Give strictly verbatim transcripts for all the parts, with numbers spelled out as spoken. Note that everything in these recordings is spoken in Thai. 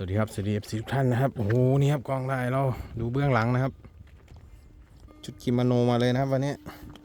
วัสดีครับสวัสดีเอฟซีทุกท่านนะครับโอ้โหนี่ครับกล้องได้เราดูเบื้องหลังนะครับชุดกิโมโนมาเลยนะครับวันนี้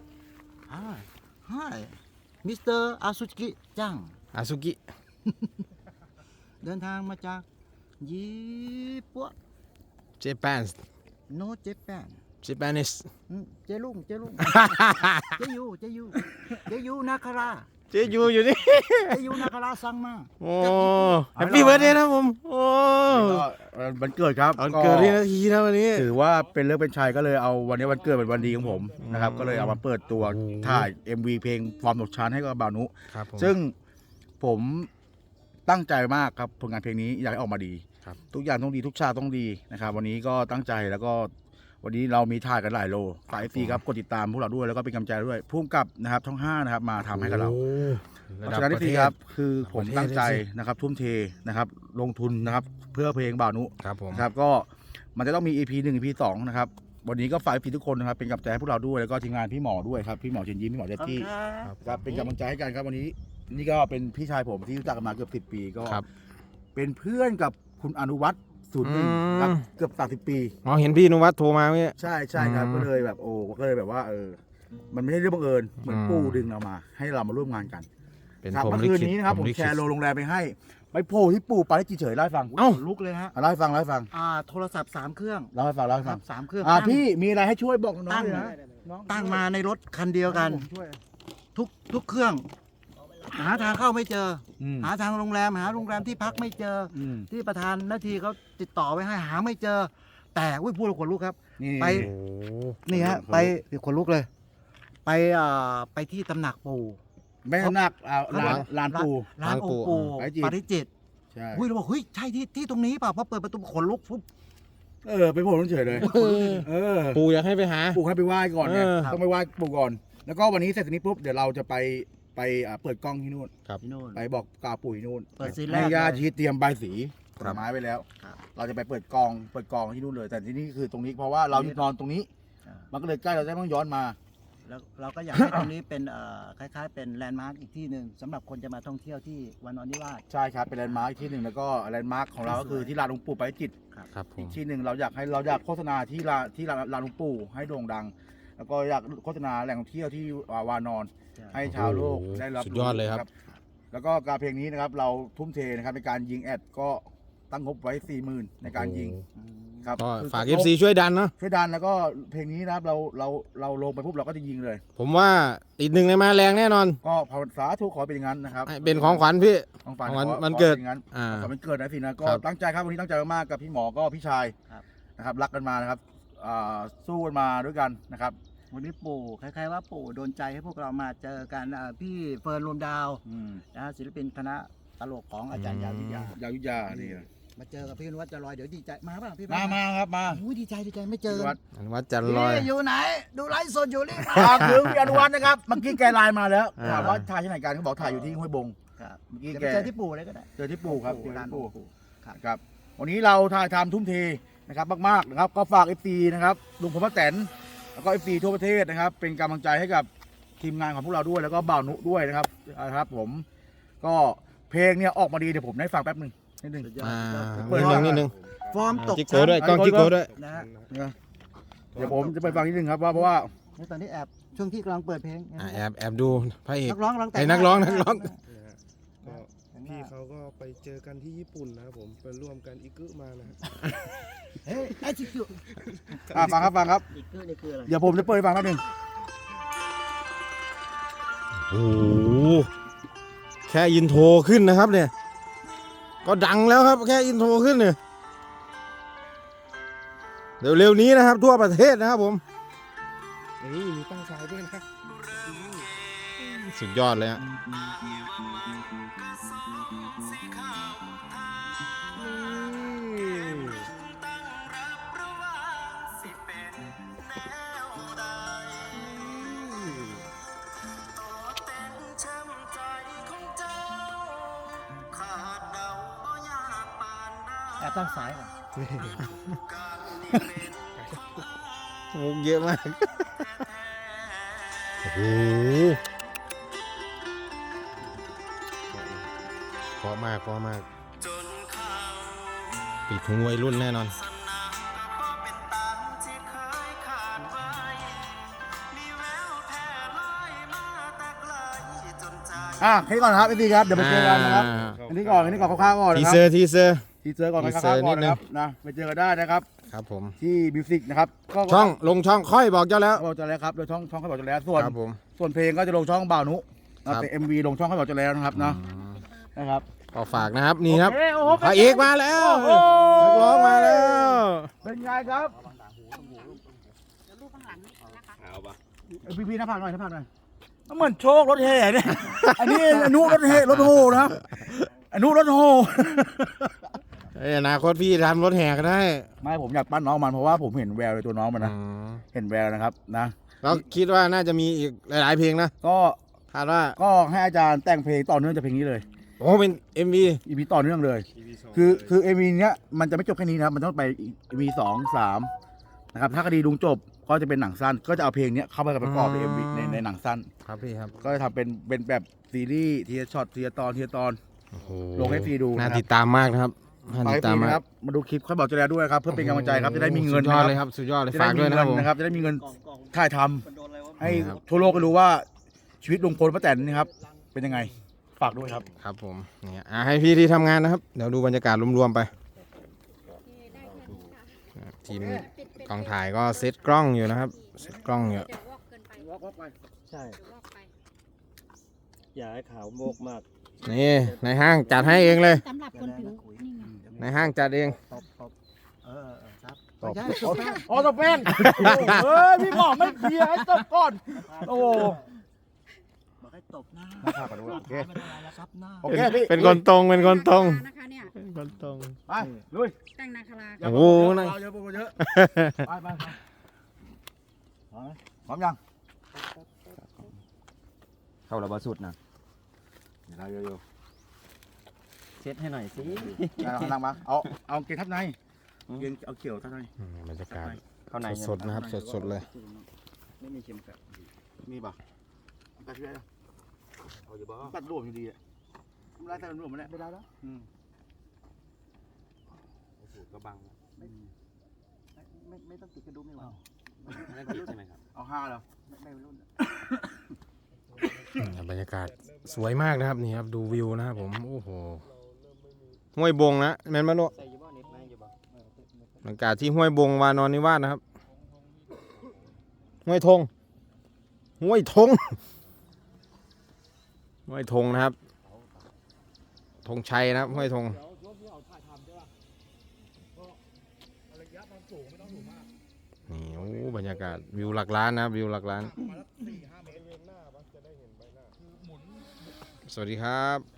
Hi Hi มิสเตอร์อาซุกิจังอาซุกิเดินทางมาจากญี่ปุ่นเจแปนโนเจแปนเจแปนิสเจลุงเจลุง เจยูเจยูเจยูนาคาราเจยูอยู่นี่เจยูนาคาราสั่งมาโอ้แฮปปี้เบิร์ดเดย์นะผมโอ้วันเกิดครับตอนเกิดที่นาทีนะวันนี้ถือว่าเป็นเรื่องเป็นชัยก็เลยเอาวันนี้วันเกิดเป็นวันดีของผมนะครับก็เลยเอามาเปิดตัวถ่าย เอ็ม วี เพลงฟอร์มตกชั้นให้กับบาวนุครับผมซึ่งผมตั้งใจมากครับผลงานเพลงนี้อยากให้ออกมาดีครับทุกอย่างต้องดีทุกชาติต้องดีนะครับวันนี้ก็ตั้งใจแล้วก็วันนี้เรามีถ่ายกันหลายโลฝาก เอฟ ซี ครับกดติดตามพวกเราด้วยแล้วก็เป็นกำลังใจด้วยพุ่มกับนะครับช่องห้านะครับมาทำให้กับเราโอ้เพระราะดับฉะนั้นประที่เทศครับคือผมประเทศตั้งใจเลยสินะครับทุ่มเทนะครับลงทุนนะครับเพื่อเพลงบ่าวนุครับผมนะครับก็มันจะต้องมี อี พี หนึ่ง อี พี สองนะครับวันนี้ก็ฝากพี่ทุกคนนะครับเป็นกำลังใจให้พวกเราด้วยแล้วก็ทีมงานพี่หมอด้วยครับพี่หมอเชิญยิ้มพี่หมอเดตตี้ครับเป็นกำลังใจให้กันครับวันนี้นี่ก็เป็นพี่ชายผมที่รู้จักกันมาเกือบสิบปีก็ครับเป็นเพื่อนกับคุณอนุวัฒน์ศูนย์หนึ่งอืมครับเกือบสามสิบปีอ๋อเห็นพี่นุวัฒน์โทรมาเมื่อกี้ใช่ใช่ครับอืมก็เลยแบบโอ้ก็เลยแบบว่าเออมันไม่ใช่เรื่องบังเอิญเหมือนอืมปู่ดึงเรามา ให้เรามาร่วมงานกันเป็นครับผมเมื่อลิคืนขิตนี้นะครับผมลิแชขิตร์โรงแรมไปให้ไปโผล่ที่ปู่ปาริจิตเฉยเล่าให้ฟังเอ้าลุกเลยฮะเล่าให้ฟังเล่าให้ฟังอ่าโทรศัพท์สามเครื่องเล่าให้ฟังเล่าให้คฟัรังบสามเครื่องอ่าตั้งพี่มีอะไรให้ช่วยบอกน้องตั้งเลยนะน้อตั้งมาในรถคันเดียวกันผมช่วยทุกทุกเครื่อง หาทางเข้าไม่เจออืมหาทางโรงแรมหาโรงแรมที่พักไม่เจออืมที่ประธานหน้าที่เขาติดต่อไว้ให้หาไม่เจอ แต่อุ้ยพูดแล้วขนลุกครับนี่ไปโอ้นี่ฮะขนลุกไปเดี๋ยวขนลุกเลย ไปอ่าไปที่ตำหนักปู่แม่นักอ่าลานลานปูร้านองค์ปู่ปาริจิตปาริจิตใช่อุ้ยเราบอกเฮ้ยใช่ที่ที่ตรงนี้เปล่าพอเปิดประตูขนลุกปุ๊บเออไปโผล่ต้องเฉยเลยเออเออปู่อยากให้ไปหาปู่ให้ไปไหว้ก่อนไงเออต้องไปไหว้ปู่ก่อน แล้วก็วันนี้เสร็จจากนี้ปุ๊บเดี๋ยวเราจะไปไปอ่าเปิดกล้องที่นู่นที่นู่นไปบอกกล่าวปู่ที่นู่นเปิดซีนแรกให้ญาติเลยที่เตรียมใบสีผครัลบไม้ไว้แล้วครับเราจะไปเปิดกองเปิดกองที่นู่นเลย แต่ที่นี่คือตรงนี้เพราะว่าเรานอนตรงนี้อ่ามันก็เลยใกล้เราจะไม่ต้องย้อนมาแล้วเราก็อยากให้ตรงนี้เป็นเอ่อคล้ายๆ เป็นแลนด์มาร์กอีกที่หนึ่งสำหรับคนจะมาท่องเที่ยวที่วันนอนนิวาสใช่ครับเป็นแลนด์มาร์คที่หนึ่งแล้วก็แลนด์มาร์คของเราก็คือที่ลานหลวงปู่ไปจิตครับผอีมกที่หนึ่งเราอยากให้เราอยากโฆษณาที่ลานที่ลานลานหลวงปู่ให้โด่งดัง แล้วก็อยากโฆษณาแหล่งท่องเที่ยวที่วานอน ให้ชาวโลกได้รับสุดยอดเลยครับแล้วก็การเพลงนี้นะครับเราทุ่มเทนะครับในการยิงแอดก็ตั้งงบไว้สี่หมื่นในการยิงอืมครับก็คือฝาก เอฟ ซี ช่วยดันเนาะช่วยดันแล้วก็เพลงนี้นะครับเราเราเราลงไปปุ๊บเราก็จะยิงเลยผมว่าติดหนึ่งในมาแรงแน่นอนก็ภาวนาสาธุขอเป็นอย่างนั้นนะครับให้เป็นของขวัญพี่ของฝันของวันขอวันเกิดขอป็นอย่างนั้นอ่าขอเป็นเกิดนะสินะก็ครับตั้งใจครับวันนี้ตั้งใจมากๆกับพี่หมอก็พี่ชายครับนะครับรักกันมานะครับอ่าสู้กันมาด้วยกันนะครับวันนี้ปู่คล้ายๆว่าปู่โดนใจให้พวกเรามาเจอกันอ่าพี่เฟิร์นรวมดาวอืมนะฮะศิลปินคณะตลกของอาจารย์ยาวิทยายาวิทยานี่นะมาเจอกับพี่นวัดจะลอยเดี๋ยวดีใจมาป่ะพี่มามาครับมาโอ้ยดีใจดีใจไม่เจพี่อวัดอนุวัฒน์จันทร์ลอยพี่อยู่ไหน ดูไลฟ์สดอยู่นี่ฝากถึงพี่อนุวัฒน์นะครับเมื่อกี้แกไลน์มาแล้วอ่าถามว่าถ่ายที่ไหนกันเขาบอกถ่ายอยู่ที่ห้วยบงครับเมื่อกี้เดี๋ยวแกไปเจอที่ปู่เลยก็ได้เจอที่ปู่ครับเจอร้านที่ปู่ปู่ครับครับวันนี้เราถ่ายทำทุ่มเทนะครับมากๆนะครับก็ฝาก เอฟ ซี นะครับลุงพลป้าแตนแล้วก็ เอฟ ซี ทั่วประเทศนะครับเป็นกำลังใจให้กับทีมงานของพวกเราด้วยแล้วก็บ่าวนุด้วยนะครับนะครับผมก็เพลงเนี่ยออกมาดีเดี๋ยวผมได้ฟังแป๊บหนึ่งนิดนึงสุดยอดอ่าเปิดนิดนึงนิดนึงฟอร์มตกจิกโก้ด้วยกล้องจิกโก้ด้วยนะฮะนะเดี๋ยวผมจะไปฟังนิดนึงครับว่าเพราะว่าในตอนนี้แอบช่วงที่กำลังเปิดเพลงอ่าแอบแอบดูพระเอกนักร้องกำลังแต่งไอ้นักร้องนักร้องนะฮะก็พี่เขาก็ไปเจอกันที่ญี่ปุ่นนะครับผมไปร่วมกันอิกุมานะฮะเฮ้ยไอจิกุอ่าฟังครับฟังครับอิกุนี่คืออะไรเดี๋ยวผมจะเปิดให้ฟังแป๊บหนึงโอ้โหแค่อินโทรขึ้นนะครับเนี่ย ก็ดังแล้วครับแค่อินโทรขึ้นเนี่ยเร็วๆนี้นะครับทั่วประเทศนะครับผมนี่มีตั้งฉายด้วยนะสุดยอดเลยฮะแอบตั้งสายก่อนมุกเยอะมากโอ้โหเพราะมากเพราะมากจนเขาปิดถุงวัยรุ่นแน่นอนอ่ะแค่นี้ก่อนนะครับพี่ครับเดี๋ยวไปเจอกันนะครับอันนี้ก่อนอันนี้ก่อนคร่าวๆก่อนทีนะคเซรับอร์ทีเซอร์ทีเซอร์ก่อนทีคเซอร่าร์วๆก่อนนิดนึงนะครับนะไปเจอกันได้นะครับครับผมที่มิวสิกนะครับก็ช่องลงช่องค่อยบอกเจ้าแล้วบอกจะแล้วครับโดยช่องช่องเขาบอกจะแล้วส่วนครับผมส่วนเพลงก็จะลงช่องบ่าวนุครับแต่เอ็มวีลงช่องเขาบอกจะแล้วนะครับนะอืมนะครับก็ฝากนะครับนี่ครับโอเโอ้โหพระเอกมาแล้วโอ้โหนักร้องมาแล้วเป็นไงครับพี่พี่ๆหน้าผากหน่อยหน้าผากหน่อยมันเหมือนโชครถแห่เนี่ยอันนี้อนุรถแห่รถโฮนะครับอนุรถโฮเอ้ยอนาคตพี่ทำรถแห่ก็ได้ไม่ผมอยากปั้นน้องมันเพราะว่าผมเห็นแววในตัวน้องมันนะอืมเห็นแววนะครับนะแล้วคิดว่าน่าจะมีอีกหลายๆเพลงนะก็คาดว่าก็ให้อาจารย์แต่งเพลงต่อเนื่องจากเพลงนี้เลยโอ้เป็น เอ็ม วีอีพีต่อเนื่องเลย คือคือเอ็มวีเนี้ยมันจะไม่จบแค่นี้นะครับมันต้องไปเอ็มวีสองสามนะครับถ้าคดีลุงจบก็จะเป็นหนังสั้น ก็จะเอาเพลงเนี้ยเข้าไปประกอบในเอ็มวีในในหนังสั้นครับพี่ครับก็จะทำเป็นเป็นแบบซีรีส์ทีละช็อตทีละตอนทีละตอนโอ้โหลงให้ฟรีดูนะครับน่าติดตามมากนะครับน่าไปติดฟตามรีมากนะครับมาดูคลิปค่อยบอกจะแล้วด้วยครับเพื่อเป็นกำลังใจครับจะได้มีเงินสุดยอดนะเลยคครับ รับสุดยอดเลยจะฝาได้กมีด้วยเงินะครับผมนะครับจะได้มีเงินกล่องกล่องถ่ายทำมันโดนอะไรวะให้ครับทั่วโลกก็รู้ว่าชีวิตลุงพลป้าแตนนี่ครับเป็นยังไงฝากด้วยครับครับผมเนี่ยอ่ะให้พี่ที่ทำงานนะครับ เดี๋ยวดูบรรยากาศรวมๆไปทีมกองถ่ายก็เซตกล้องอยู่นะครับเซตกล้องอยู่เดี๋ยววอกเกินไปใช่เดี๋ยววอกไปอย่าให้ขาวโมกมากนี่ในห้างจัดให้เองเลยสำหรับคนผิวนี่ไงในห้างจัดเองตบตบเออเออครับตบไม่ใช่ตบแป้งอ๋อตบเป็นเฮ้ยพี่บอกไม่เคลียร์ให้ตบก่อนโอ้โหบอกให้ตบหน้าหน้าผากก่อนด้วยโอเคไม่ได้อะไรแล้วซับหน้าโอเคพี่เป็นคนตรงเป็นคนตรงนะคะเนี่ยเป็นคนตรงไปลุยแต่งนาคาราอย่าโอ้โอ้โหโหนั่นเยอะเยอะไปไปไปพร้อมยังเข้าระบาสุดนะเดี๋ยวเราเยอะเช็ดให้หน่อยสิๆนั่งนั่งมาเอาเอาเกงทับในเกงเอาเขียวทับในอืมบรรยากาศเข้าในสดๆนะครับสดๆเลยไม่มีเข็มขัดมีป่ะตัดช่วยเอาอยู่บ้างตัดรวมอยู่ดีอ่ะไม่ได้ตัดรวมมาแล้วไม่ได้แล้วอืมก็บังไม่ไม่ไม่ต้องติดกระดุมไม่หวาไม่ต้องติดใช่ไหมครับเอาห้าเหรอไม่ไม่รุ่นอืมบรรยากาศสวยมากนะครับนี่ครับดูวิวนะครับผมโอ้โหห้วยบงนะแมนมาโลใส่ยี่บ้าเน็ตไหมยี่บ้าบรรยากาศที่ห้วยบงวานอนนิวาสนะครับห้วยธงห้วยธงห้วยธงนะครับธงชัยนะครับห้วยธงนี่โอ้บรรยากาศวิวหลักล้านนะครับวิวหลักล้านสวัสดีครับ